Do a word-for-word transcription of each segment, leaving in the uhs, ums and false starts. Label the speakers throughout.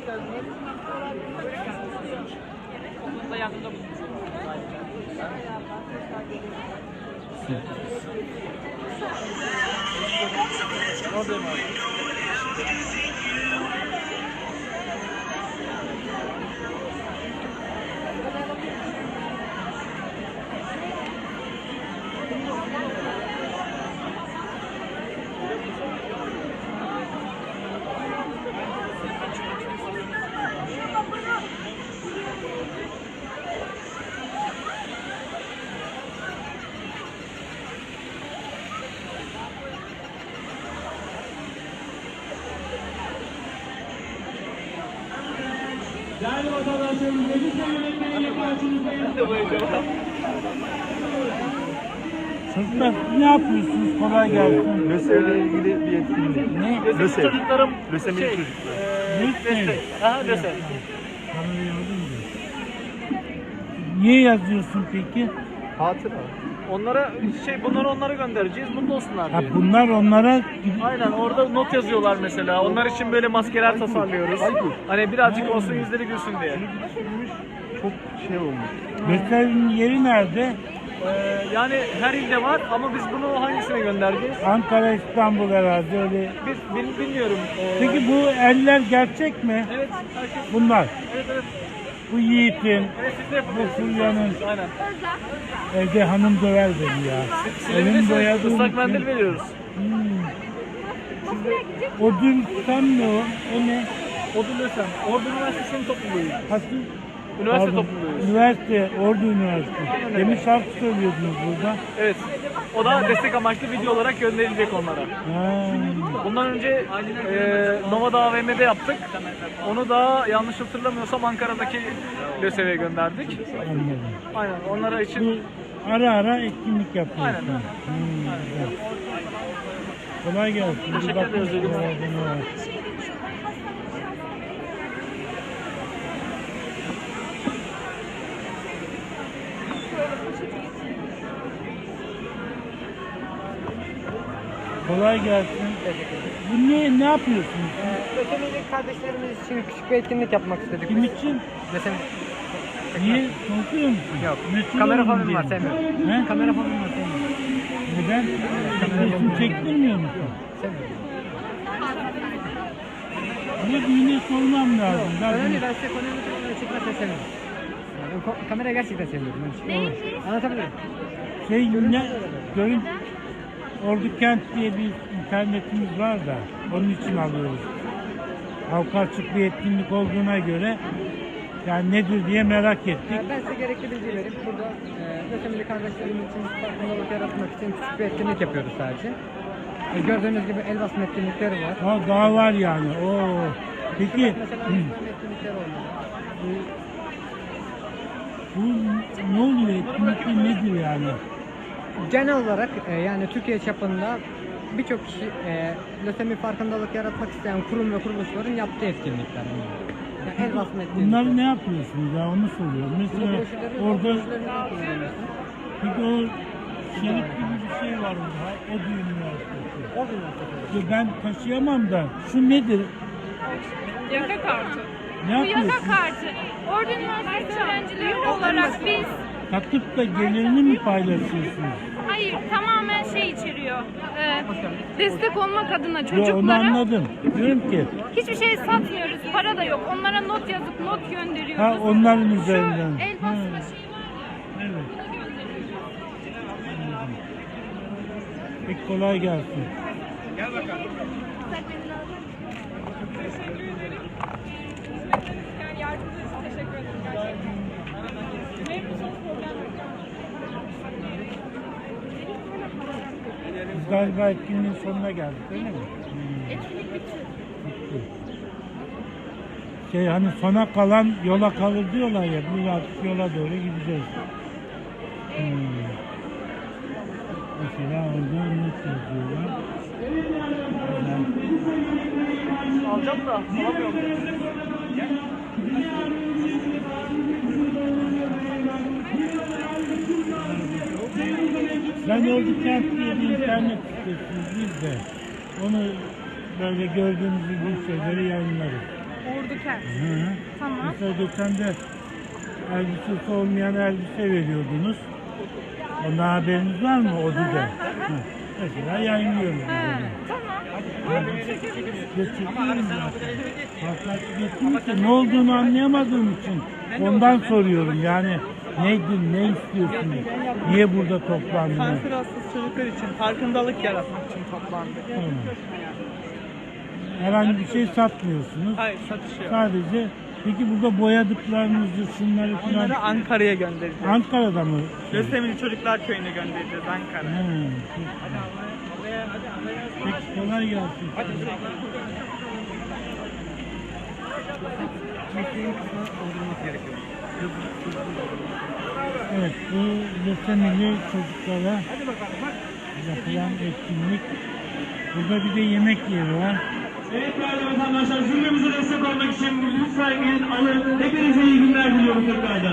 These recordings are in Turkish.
Speaker 1: geldiniz. Okulda yardımda bulunmuş. Oradayım abi.
Speaker 2: Değerli vatandaşlarımız, Lise yönetmeniyle karşınızdayız.
Speaker 3: Çocuklar ne yapıyorsunuz? Kolay gelsin.
Speaker 4: LÖSEV'le ilgili bir etkinlik.
Speaker 3: Ne?
Speaker 4: LÖSEV.
Speaker 1: Çocuklarım
Speaker 4: LÖSEV'li
Speaker 1: şey,
Speaker 4: çocuklar.
Speaker 1: eee,
Speaker 3: Destek.
Speaker 1: destek. Aha destek.
Speaker 3: Kamerayı aldım da. Niye yazıyorsun peki?
Speaker 4: Hatıra.
Speaker 1: Onlara şey bunları onlara göndereceğiz. Mutlu olsunlar
Speaker 3: Ha,
Speaker 1: diye.
Speaker 3: bunlar onlara
Speaker 1: Aynen orada not yazıyorlar mesela. Onlar için böyle maskeler tasarlıyoruz. Hani birazcık olsun yüzleri gülsün diye.
Speaker 4: Çok şey olmuş.
Speaker 3: gösterinin yeri nerede?
Speaker 1: Ee, yani her ilde var ama biz bunu hangisine göndereceğiz?
Speaker 3: Ankara, İstanbul herhalde öyle.
Speaker 1: Biz bil- bilmiyorum. Ee,
Speaker 3: Peki bu eller gerçek mi?
Speaker 1: evet, herkes,
Speaker 3: Bunlar.
Speaker 1: evet evet.
Speaker 3: Bu Yiğit'in,
Speaker 1: Evet siz de yapıyorsunuz.
Speaker 3: Bu Fulya'nın.
Speaker 1: Aynen.
Speaker 3: Evde hanım döver beni ya. Elim
Speaker 1: Silebilirsiniz.
Speaker 3: boyadım.
Speaker 1: Islak mendil veriyoruz.
Speaker 3: Hmm. O dün tam ne o? O ne?
Speaker 1: Ordu Lösem. Ordu Üniversitesi'nin topluluğuyuz.
Speaker 3: Hasıl?
Speaker 1: Üniversite
Speaker 3: Pardon,
Speaker 1: topluluğuyuz.
Speaker 3: Üniversite, Ordu Üniversitesi. Demin şarkı söylüyordunuz burada.
Speaker 1: Evet. O da destek amaçlı video olarak gönderilecek onlara.
Speaker 3: Ha.
Speaker 1: Bundan önce e, Nova'da A V M'de yaptık. Onu da yanlış hatırlamıyorsam Ankara'daki LÖSEV'e gönderdik.
Speaker 3: Anladım.
Speaker 1: Aynen onlara için
Speaker 3: Bu ara ara etkinlik yapıyorsun.
Speaker 1: Aynen.
Speaker 3: Hmm, güzel. Kolay gelsin. Bir
Speaker 1: Teşekkür
Speaker 3: bakın
Speaker 1: ederiz.
Speaker 3: şuralarda ne var. Kolay gelsin. Bu ne, ne yapıyorsunuz?
Speaker 5: Lösemili kardeşlerimiz için küçük bir etkinlik yapmak istedik.
Speaker 3: Kim için?
Speaker 5: Lösemi...
Speaker 3: Niye? Korkuyor musun?
Speaker 5: Yok.
Speaker 3: Mesul
Speaker 5: Kamera
Speaker 3: olun
Speaker 5: fobim
Speaker 3: diye
Speaker 5: var,
Speaker 3: mi?
Speaker 5: sevmiyorum.
Speaker 3: He?
Speaker 5: Kamera fobim var, sevmiyorum.
Speaker 3: Neden? Resim çektirmiyor musun?
Speaker 5: Sevmiyorum.
Speaker 3: Bunu birine sormam lazım. Ben
Speaker 5: Önemli,
Speaker 3: bunu-
Speaker 5: ben size konuyu çekmezsen sevmiyorum. Yani ben ko- kamerayı gerçekten sevmiyorum. Ben şey anlatabilirim.
Speaker 3: Şey ne? Görün. Ordu Kent diye bir internetimiz var da onun için alıyoruz. Halka açık bir etkinlik olduğuna göre yani nedir diye merak ettik.
Speaker 5: Yani ben size gerekli bilgi verip burada e, lösemili kardeşlerimiz için farkındalık yaratmak için küçük bir etkinlik yapıyoruz sadece. E, gördüğünüz gibi el basma etkinlikleri var.
Speaker 3: Ha, daha var yani. Oo. Peki
Speaker 5: Mesela
Speaker 3: hı,
Speaker 5: el basma etkinlikleri oluyor.
Speaker 3: bu ne oluyor? Etkinlikte nedir yani?
Speaker 5: Genel olarak e, yani Türkiye çapında birçok kişi e, lösemi farkındalık yaratmak isteyen kurum ve kuruluşların yaptığı etkinlikler bunlar. Yani el basma etkinlikleri.
Speaker 3: Bunları ne yapıyorsunuz ya onu soruyorum. Mesela
Speaker 5: Broşürleri-
Speaker 3: orada
Speaker 5: broşürlerini kullanıyorsun.
Speaker 3: peki o şerif gibi bir şey var orada. O da üniversitesi.
Speaker 5: O üniversitesi.
Speaker 3: Ya ben taşıyamam da şu nedir?
Speaker 6: Yaka kartı.
Speaker 3: Ne
Speaker 6: Bu yaka
Speaker 3: yapıyorsun?
Speaker 6: kartı. Ordu Üniversitesi öğrencileri olarak biz,
Speaker 3: Takıp da gelirini mi paylaşıyorsunuz?
Speaker 6: hayır tamamen şey içeriyor. Ee, destek olmak adına
Speaker 3: Yo, onu
Speaker 6: çocuklara
Speaker 3: anladım. Diyorum ki
Speaker 6: hiçbir şey satmıyoruz. Para da yok. Onlara not yazıp not gönderiyoruz.
Speaker 3: ha onların
Speaker 6: Şu
Speaker 3: üzerinden.
Speaker 6: el
Speaker 3: Ha,
Speaker 6: basma şeyi var.
Speaker 3: evet.
Speaker 6: Bunu gönderiyoruz.
Speaker 3: Anladım. Peki kolay gelsin.
Speaker 6: Yani yardımcı için teşekkür ederim gerçekten. Memnunsanız problem yok.
Speaker 3: Biz galiba etkinliğin sonuna geldik öyle mi? Hmm.
Speaker 6: Etkinlik bitti.
Speaker 3: Bitti. Şey hani sona kalan yola kalır diyorlar ya biz artık yola doğru gideceğiz. Hmm. Mesela orada not yazıyorlar. Güzel.
Speaker 1: alacağım da alamıyorum.
Speaker 3: Ben Ordu Kent diye bir internet sitesiyiz biz de. Onu böyle gördüğünüz gibi şeyleri yayınlarız.
Speaker 6: Ordukent.
Speaker 3: Hı hı.
Speaker 6: Tamam.
Speaker 3: Mesela geçen de elbisesi olmayan elbise veriyordunuz. Ondan haberiniz var mı Odu'da? Hı. Mesela yayınlıyoruz. biz onu.
Speaker 6: Tamam. Buyurun çekebiliriz.
Speaker 3: Geçiriyorum zaten. Farklı etkinlikte ne olduğunu anlayamadığım için ondan soruyorum. Yani nedir, ne istiyorsunuz? Niye burada toplandınız?
Speaker 7: Kanser hastası çocuklar için farkındalık yaratmak için toplandık.
Speaker 3: Tamam. Herhangi bir şey satmıyorsunuz.
Speaker 7: Hayır, satış yok.
Speaker 3: Sadece peki burada boyadıklarınızı, şunları falan
Speaker 7: Onları Ankara'ya göndereceğiz.
Speaker 3: Ankara'da mı?
Speaker 7: Lösemili Çocuklar Köyü'ne göndereceğiz Ankara.
Speaker 3: He, çok güzel. Peki kolay gelsin. Evet, bu lösemili çocuklara yapılan etkinlik. Burada bir de yemek yeri var.
Speaker 2: Evet değerli vatandaşlar, zirvemize destek olmak için lütfen gelin alın. Hepinize iyi günler diliyorum tekrardan.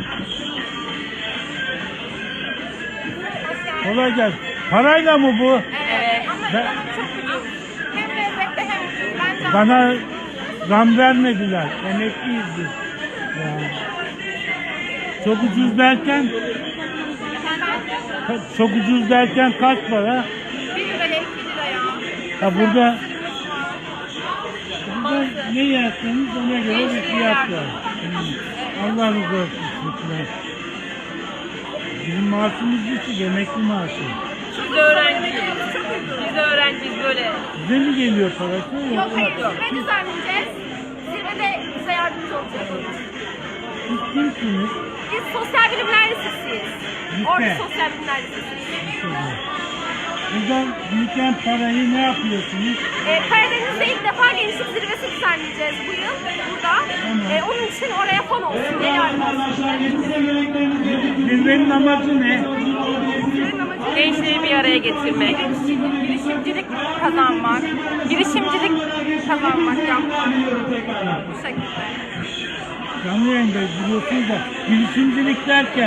Speaker 3: Kolay gelsin. Parayla mı bu?
Speaker 6: Evet.
Speaker 3: Ben-
Speaker 6: Ama çok ucuz. Hem lezzetli hem ucuz. Bence
Speaker 3: Bana zam vermediler. Emekliyiz biz. Yani. Çok ucuz derken ka- çok ucuz derken kaç para?
Speaker 6: bir liraya iki liraya.
Speaker 3: Ha burada burada ne yerseniz ona göre bir fiyat var. Hmm. Allah razı olsun. Lütfen. Bizim maaşımız düşük, emekli maaşı.
Speaker 8: Biz öğrenciyiz. Biz öğrenciyiz böyle.
Speaker 3: Size mi geliyor parası?
Speaker 6: Yok
Speaker 3: Yoksa
Speaker 6: hayır, zirve düzenleyeceğiz. Zirvede bize yardımcı olacak.
Speaker 3: siz kimsiniz?
Speaker 6: Biz sosyal bilimler lisesiyiz.
Speaker 3: Lise.
Speaker 6: Orada sosyal bilimler lisesiyiz.
Speaker 3: Buradan biriken parayı ne yapıyorsunuz?
Speaker 6: Ee, Karadeniz'de ilk defa gençlik zirvesi düzenleyeceğiz bu yıl burada. Ee, onun için oraya fon olsun diye yardım olsun.
Speaker 2: Vatandaşlar yetişse yönetmenimiz geldi.
Speaker 3: Zirvenin amacı ne?
Speaker 8: Gençliği bir araya getirmek.
Speaker 6: Girişimcilik kazanmak, girişimcilik kazanmak yapmak. Bu şekilde.
Speaker 3: Canlı yayındayız biliyorsunuz da girişimcilik derken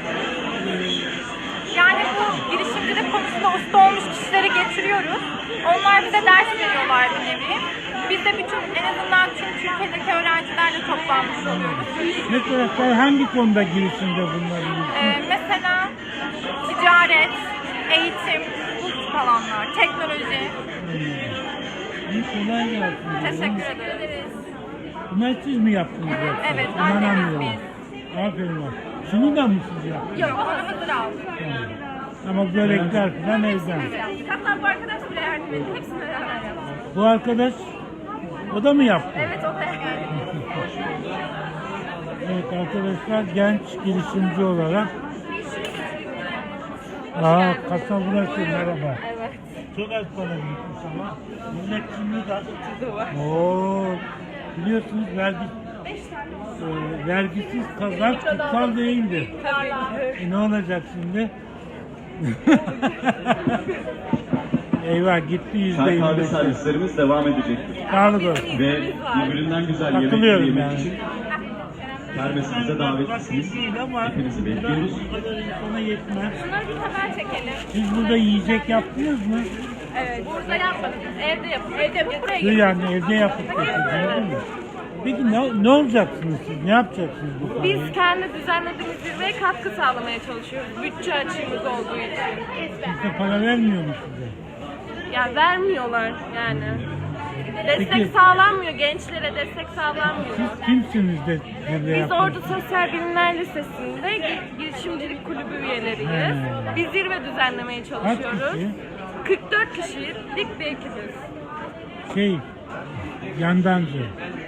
Speaker 6: Yani bu girişimcilik konusunda usta olmuş kişileri getiriyoruz. Onlar bize ders veriyorlar bir nevi. Biz de bütün en azından tüm Türkiye'deki öğrencilerle toplanmış oluyoruz.
Speaker 3: mesela sen hangi konuda girişimde bulunabilirsin?
Speaker 6: Ee, mesela ticaret, eğitim, bu tip alanlar, teknoloji.
Speaker 3: İyi kolay gelsin.
Speaker 6: Teşekkür ederiz.
Speaker 3: Bunları siz mi yaptınız yoksa?
Speaker 6: Evet, annemiz
Speaker 3: İnanamıyorum. Aferin var. Şunu da mı siz yaptınız?
Speaker 6: Yok, onu hazır aldık.
Speaker 3: Tamam. Ama börekler falan evden.
Speaker 6: Hatta bu arkadaş bile yardım etti. Hepsini beraber yaptık.
Speaker 3: Bu arkadaş o da mı yaptı?
Speaker 6: Evet, o da yani.
Speaker 3: Evet arkadaşlar genç girişimci olarak. Aa kasa burası merhaba.
Speaker 6: Evet.
Speaker 3: Çok az para gitmiş ama. Millet şimdi de. Oo, biliyorsunuz vergi, e, vergisiz kazanç kutsal değildir. E, ne olacak şimdi? Eyvah gitti yüzde
Speaker 9: Çay
Speaker 3: yirmi
Speaker 9: kahve
Speaker 3: beş.
Speaker 9: servislerimiz devam edecektir.
Speaker 3: Sağlık olsun.
Speaker 9: Ve birbirinden güzel yemek
Speaker 3: Katılıyorum
Speaker 9: yemek
Speaker 3: yani.
Speaker 9: için kermesimize davetlisiniz.
Speaker 3: Değil ama
Speaker 9: Hepinizi bekliyoruz.
Speaker 3: bu kadar insana yetmez.
Speaker 6: Bunları bir haber çekelim.
Speaker 3: Siz burada yiyecek yaptınız mı?
Speaker 6: Evet. Burada yapmadık. Evde yapıp, evde yapıp buraya
Speaker 3: Siz
Speaker 6: getirdik.
Speaker 3: yani evde yapıp getirdiniz değil mi? Peki ne, ne olacaksınız siz? Ne yapacaksınız bu parayı?
Speaker 8: Biz kendi düzenlediğimiz zirveye katkı sağlamaya çalışıyoruz. Bütçe açığımız olduğu için.
Speaker 3: Size para vermiyor mu size?
Speaker 8: Ya vermiyorlar yani. Destek
Speaker 3: Peki.
Speaker 8: sağlanmıyor. Gençlere destek sağlanmıyor.
Speaker 3: Siz kimsiniz de zirve
Speaker 8: Biz
Speaker 3: yaptınız?
Speaker 8: Ordu Sosyal Bilimler Lisesi'nde gi- girişimcilik kulübü üyeleriyiz.
Speaker 3: He.
Speaker 8: Biz zirve düzenlemeye
Speaker 3: Kaç
Speaker 8: çalışıyoruz.
Speaker 3: kişi?
Speaker 8: kırk dört kişiyiz. Dik bir ekibiz.
Speaker 3: Şey, yandancı.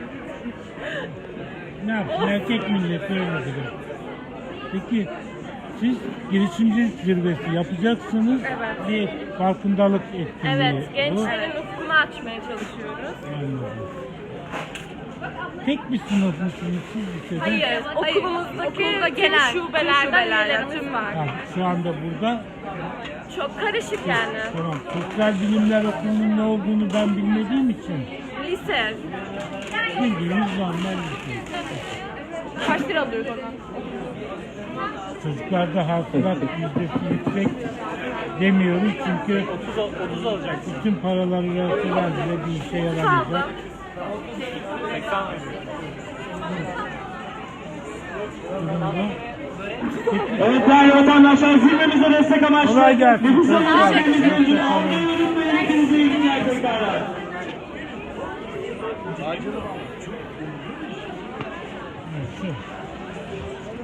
Speaker 3: Ne yapsın? Erkek milleti öyle dedim. Peki siz girişimcilik zirvesi yapacaksınız.
Speaker 8: Evet.
Speaker 3: Bir farkındalık etkinliği.
Speaker 8: Evet,
Speaker 3: bu.
Speaker 8: gençlerin ufkunu açmaya çalışıyoruz.
Speaker 3: Anladım. Tek bir sınıf mısınız siz lisede?
Speaker 8: Hayır, okulumuzdaki
Speaker 6: Okulda
Speaker 8: tüm
Speaker 6: genel,
Speaker 8: şubelerden
Speaker 6: şubelerden
Speaker 8: üyelerimiz
Speaker 6: tüm
Speaker 8: var.
Speaker 3: Ha, şu anda burada.
Speaker 8: Çok karışık yani.
Speaker 3: Tamam. Sosyal Bilimler Okulu'nun ne olduğunu ben bilmediğim için
Speaker 8: Lise.
Speaker 3: bildiğimiz normal bir şey.
Speaker 8: Kaç lira alıyoruz ondan?
Speaker 3: Çocuklarda hasılat yüzdesi yüksek demiyoruz çünkü bütün paraları verseler bile bir işe yaramayacak.
Speaker 2: Evet değerli vatandaşlar, zirvemize destek amaçlı.
Speaker 3: Kolay gelsin.
Speaker 2: Nüfus
Speaker 3: Çocuklar.
Speaker 2: Hanımefendimizin ödülünü almayı unutmayın. Hepinize iyi günler tekrarlar.
Speaker 3: Şu.